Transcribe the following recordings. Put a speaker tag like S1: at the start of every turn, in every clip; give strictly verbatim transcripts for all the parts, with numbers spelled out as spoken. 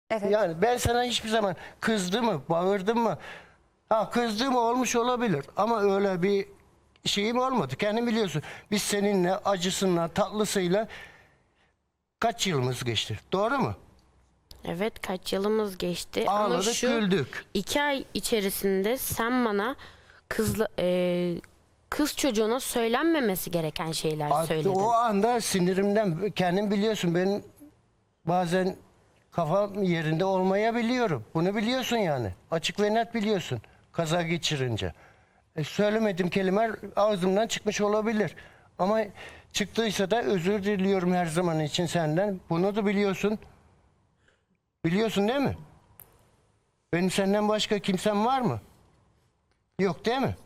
S1: Evet.
S2: Yani ben sana hiçbir zaman kızdım mı, bağırdım mı? Ha kızdığım olmuş olabilir ama öyle bir şeyim olmadı. Kendin biliyorsun. Biz seninle acısıyla, tatlısıyla kaç yılımız geçti. Doğru mu?
S3: Evet, kaç yılımız geçti ama
S2: Ağladık,
S3: şu
S2: güldük.
S3: iki ay içerisinde sen bana kızla, e, kız çocuğuna söylenmemesi gereken şeyler
S2: Hatta
S3: söyledin.
S2: o anda sinirimden kendin biliyorsun ben bazen kafam yerinde olmayabiliyorum. Bunu biliyorsun yani. Açık ve net biliyorsun. Kaza geçirince. E, söylemediğim kelimeler ağzımdan çıkmış olabilir. Ama çıktıysa da özür diliyorum her zaman için senden. Bunu da biliyorsun. Biliyorsun değil mi? Benim senden başka kimsem var mı? Yok değil mi?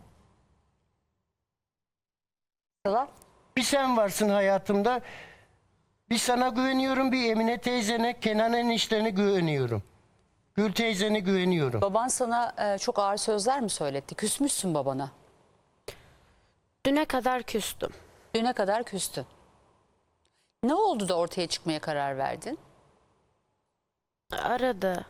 S1: Sıla.
S2: Bir sen varsın hayatımda. Bir sana güveniyorum, bir Emine teyzene, Kenan eniştene güveniyorum. Gül teyzene güveniyorum.
S1: Baban sana e, çok ağır sözler mi söyletti? Küsmüşsün babana.
S3: Düne kadar küstüm.
S1: Düne kadar küstün. Ne oldu da ortaya çıkmaya karar verdin?
S3: Aradı.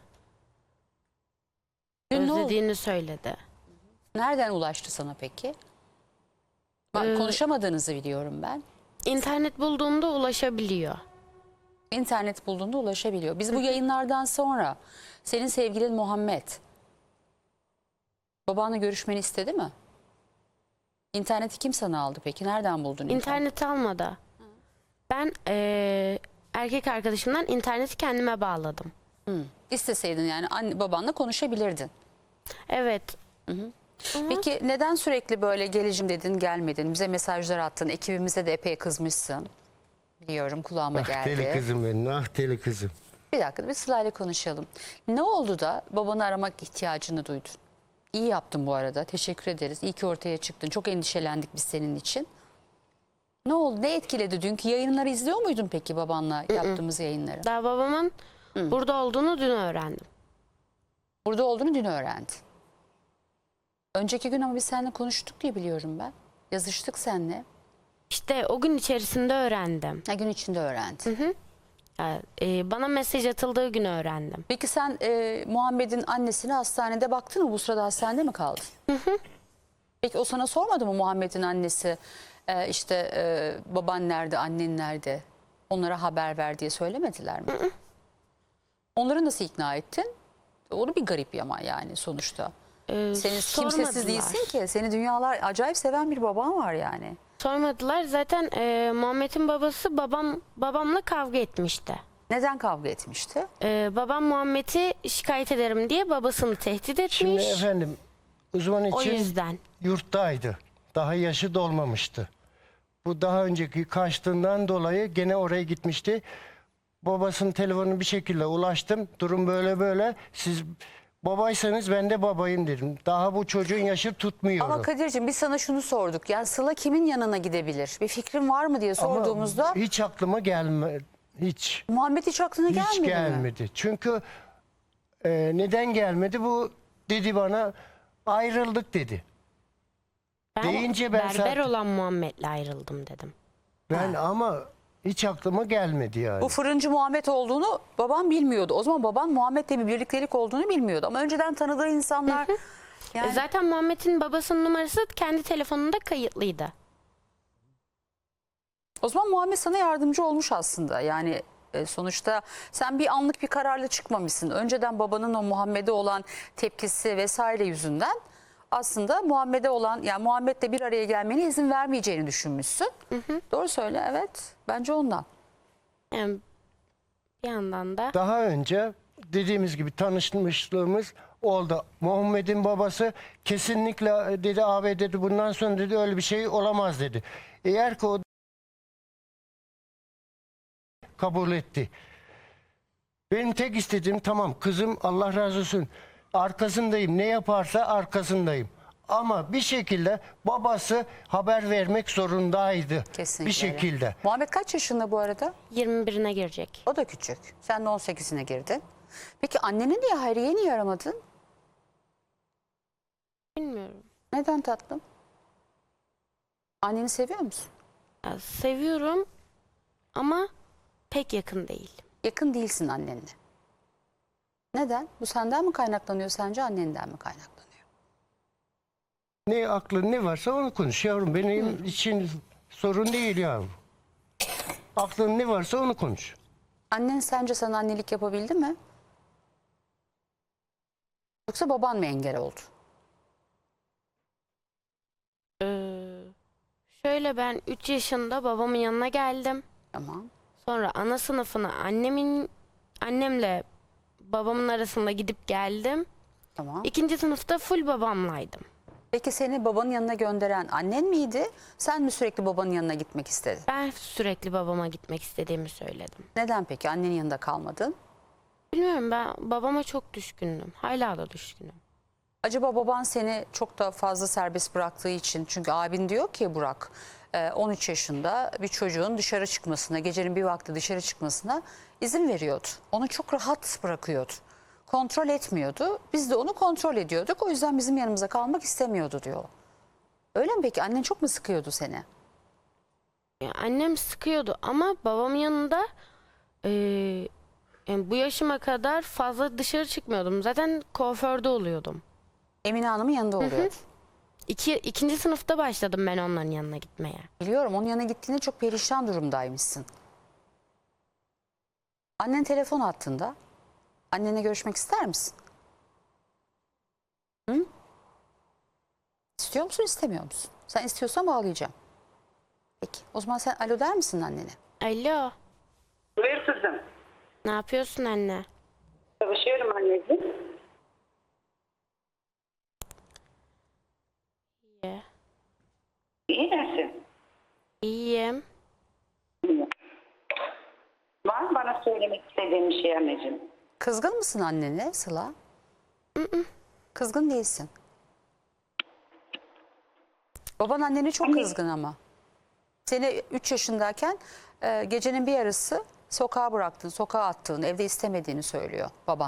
S1: Dün ne oldu?
S3: Özlediğini söyledi.
S1: Nereden ulaştı sana peki? Bak,
S3: Ee,
S1: konuşamadığınızı biliyorum ben.
S3: İnternet bulduğumda ulaşabiliyor.
S1: İnternet bulduğunda ulaşabiliyor. Biz bu yayınlardan sonra senin sevgilin Muhammed babanla görüşmeni istedi mi? İnterneti kim sana aldı peki? Nereden buldun internet?
S3: İnternet almadı. Ben eee, erkek arkadaşımdan interneti kendime bağladım.
S1: Hı. İsteseydin yani anne, babanla konuşabilirdin.
S3: Evet.
S1: Peki neden sürekli böyle geleceğim dedin gelmedin? Bize mesajlar attın. Ekibimize de epey kızmışsın. Biliyorum, kulağıma
S2: Ah
S1: geldi.
S2: deli kızım benim, ah deli kızım.
S1: Bir dakika bir Sıla'yla konuşalım. Ne oldu da babanı aramak ihtiyacını duydun? İyi yaptın bu arada. Teşekkür ederiz. İyi ki ortaya çıktın. Çok endişelendik biz senin için. Ne oldu? Ne etkiledi dünkü yayınları izliyor muydun peki babanla yaptığımız yayınları?
S3: Daha babamın burada olduğunu dün öğrendim.
S1: Burada olduğunu dün öğrendin. Önceki gün ama biz seninle konuştuk diye biliyorum ben. Yazıştık seninle.
S3: İşte o gün içerisinde öğrendim.
S1: Ha, gün içinde öğrendin.
S3: Yani, eee, bana mesaj atıldığı gün öğrendim.
S1: Peki sen e, Muhammed'in annesine hastanede baktın mı? Bu sırada hastanede mi kaldın? Peki o sana sormadı mı Muhammed'in annesi e, işte e, baban nerede, annen nerede? Onlara haber ver diye söylemediler mi? Onları nasıl ikna ettin? Onu bir garip ama yani sonuçta.
S3: Eee,
S1: Senin kimsesiz
S3: sormadılar.
S1: değilsin ki. Seni dünyalar acayip seven bir baban var yani.
S3: Sormadılar. Zaten eee, Muhammed'in babası babam babamla kavga etmişti.
S1: Neden kavga etmişti?
S3: Eee, babam Muhammed'i şikayet ederim diye babasını tehdit etmiş.
S2: Şimdi efendim uzman
S3: O
S2: için
S3: yüzden.
S2: yurttaydı. Daha yaşı dolmamıştı. Bu daha önceki kaçtığından dolayı gene oraya gitmişti. Babasının telefonunu bir şekilde ulaştım. Durum böyle böyle. Siz babaysanız ben de babayım dedim. Daha bu çocuğun yaşı tutmuyor.
S1: Ama Kadir'cim biz sana şunu sorduk. Yani Sıla kimin yanına gidebilir? Bir fikrin var mı diye sorduğumuzda
S2: Ama hiç aklıma gelmedi. Hiç.
S1: Muhammed hiç aklına
S2: Hiç
S1: gelmedi mi?
S2: gelmedi. Çünkü e, neden gelmedi? Bu dedi bana ayrıldık dedi.
S3: Ben
S2: Deyince ben
S3: berber
S2: zaten-
S3: olan Muhammed'le ayrıldım dedim.
S2: Ben ama hiç aklıma gelmedi yani.
S1: Bu fırıncı Muhammed olduğunu babam bilmiyordu. O zaman baban Muhammed'le bir birliktelik olduğunu bilmiyordu. Ama önceden tanıdığı insanlar... yani
S3: E, Zaten Muhammed'in babasının numarası kendi telefonunda kayıtlıydı.
S1: O zaman Muhammed sana yardımcı olmuş aslında. Yani e, sonuçta sen bir anlık bir kararla çıkmamışsın. Önceden babanın o Muhammed'e olan tepkisi vesaire yüzünden aslında Muhammed'e olan, yani Muhammed'le bir araya gelmene izin vermeyeceğini düşünmüşsün. Doğru söyle, evet. Bence ondan.
S3: Yani bir yandan da
S2: Daha önce dediğimiz gibi tanışmışlığımız oldu. Muhammed'in babası kesinlikle dedi abi dedi bundan sonra dedi öyle bir şey olamaz dedi. Eğer ki o kabul etti. Benim tek istediğim tamam kızım Allah razı olsun arkasındayım ne yaparsa arkasındayım. Ama bir şekilde babası haber vermek zorundaydı.
S1: Kesinlikle
S2: bir şekilde.
S1: öyle. Muhammed kaç yaşında bu arada?
S3: yirmi birine girecek.
S1: O da küçük. Sen de on sekizine girdin. Peki anneni niye, Hayriye'yi niye aramadın?
S3: Bilmiyorum.
S1: Neden tatlım? Anneni seviyor musun?
S3: Ya, seviyorum ama pek yakın değil.
S1: Yakın değilsin annenle. Neden? Bu senden mi kaynaklanıyor sence, annenden mi kaynaklanıyor?
S2: Ne aklın ne varsa onu konuş yavrum. Benim için sorun değil yavrum. Aklın ne varsa onu konuş.
S1: Annen sence sana annelik yapabildi mi? Yoksa baban mı engel oldu?
S3: Ee, şöyle ben üç yaşında babamın yanına geldim.
S1: Tamam.
S3: Sonra ana sınıfına annemin annemle babamın arasında gidip geldim.
S1: Tamam.
S3: İkinci sınıfta full babamlaydım.
S1: Peki seni babanın yanına gönderen annen miydi? Sen mi sürekli babanın yanına gitmek istedin?
S3: Ben sürekli babama gitmek istediğimi söyledim.
S1: Neden peki annenin yanında kalmadın?
S3: Bilmiyorum, ben babama çok düşkündüm. Hala da düşkünüm.
S1: Acaba baban seni çok da fazla serbest bıraktığı için, çünkü abin diyor ki Burak e, on üç yaşında bir çocuğun dışarı çıkmasına, gecenin bir vakti dışarı çıkmasına izin veriyordu. Onu çok rahat bırakıyordu. Kontrol etmiyordu. Biz de onu kontrol ediyorduk. O yüzden bizim yanımıza kalmak istemiyordu diyor. Öyle mi peki? Annen çok mu sıkıyordu seni?
S3: Ya annem sıkıyordu ama babamın yanında eee, yani bu yaşıma kadar fazla dışarı çıkmıyordum. Zaten kuaförde oluyordum.
S1: Emine Hanım'ın yanında oluyordu.
S3: İki, ikinci sınıfta başladım ben onların yanına gitmeye.
S1: Biliyorum, onun yanına gittiğinde çok perişan durumdaymışsın. Annen telefon attığında annenle görüşmek ister misin? Hı? İstiyor musun, istemiyor musun? Sen istiyorsan bağlayacağım. Peki o zaman sen alo der misin annene?
S3: Alo,
S4: Buyur kızım.
S3: ne yapıyorsun anne?
S4: Çalışıyorum anneciğim.
S3: İyi.
S4: İyi misin?
S3: İyiyim.
S4: İyi. Var mı bana söylemek istediğin bir şey anneciğim?
S1: Kızgın mısın annene Sıla? Kızgın değilsin. Baban annene çok kızgın ama. Seni üç yaşındayken e, gecenin bir yarısı sokağa bıraktın, sokağa attığın, evde istemediğini söylüyor baban.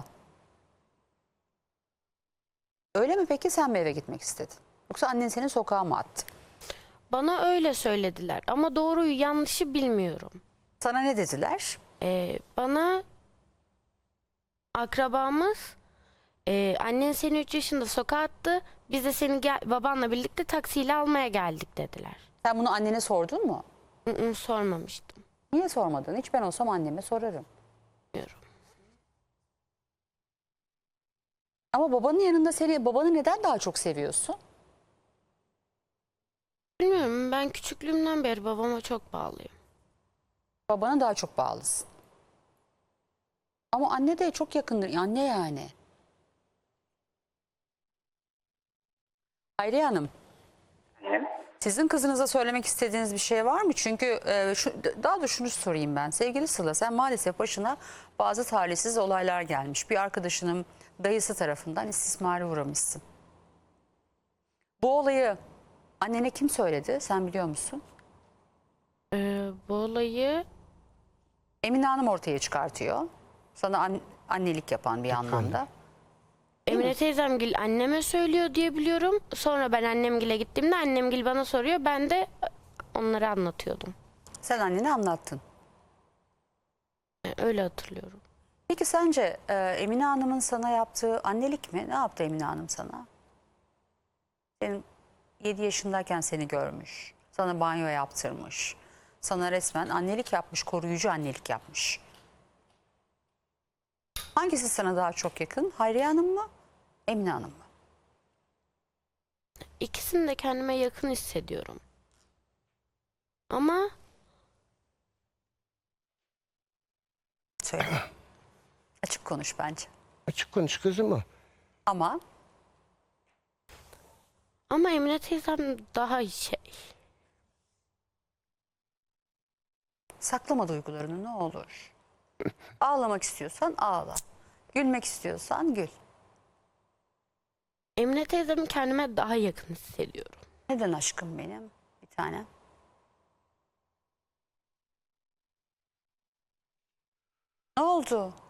S1: Öyle mi peki, sen mi eve gitmek istedin? Yoksa annen seni sokağa mı attı?
S3: Bana öyle söylediler ama doğruyu yanlışı bilmiyorum.
S1: Sana ne dediler?
S3: Ee, bana akrabamız e, annen seni üç yaşında sokağa attı. Biz de seni gel, babanla birlikte taksiyle almaya geldik dediler.
S1: Sen bunu annene sordun mu?
S3: Hı hı, sormamıştım.
S1: Niye sormadın? Hiç ben olsam anneme sorarım.
S3: Bilmiyorum.
S1: Ama babanın yanında seni, babanı neden daha çok seviyorsun?
S3: Bilmiyorum, ben küçüklüğümden beri babama çok bağlıyım.
S1: Babana daha çok bağlısın. Ama anne de çok yakındır. Anne yani. Hayriye Hanım,
S4: Evet.
S1: sizin kızınıza söylemek istediğiniz bir şey var mı? Çünkü e, şu, daha da şunu sorayım ben. Sevgili Sıla, sen maalesef başına bazı talihsiz olaylar gelmiş. Bir arkadaşının dayısı tarafından istismara uğramışsın. Bu olayı annene kim söyledi? Sen biliyor musun?
S3: Ee, bu olayı
S1: Emine Hanım ortaya çıkartıyor. Sana an- annelik yapan bir anlamda.
S3: Emine teyzemgil anneme söylüyor diye biliyorum. Sonra ben annemgile gittiğimde annemgil bana soruyor. Ben de onları anlatıyordum.
S1: Sen annene anlattın.
S3: Yani öyle hatırlıyorum.
S1: Peki sence e, Emine Hanım'ın sana yaptığı annelik mi? Ne yaptı Emine Hanım sana? Senin yedi yaşındayken seni görmüş. Sana banyo yaptırmış. Sana resmen annelik yapmış, koruyucu annelik yapmış. Hangisi sana daha çok yakın? Hayriye Hanım mı? Emine Hanım mı?
S3: İkisini de kendime yakın hissediyorum. Ama
S1: Söyle. Açık konuş bence.
S2: Açık konuş kızım o.
S1: Ama
S3: ama Emine teyzem daha şey.
S1: saklama duygularını ne olur. Ağlamak istiyorsan ağla. Gülmek istiyorsan gül.
S3: Emine teyzemi kendime daha yakın hissediyorum.
S1: Neden aşkım benim? Bir tane. Ne oldu?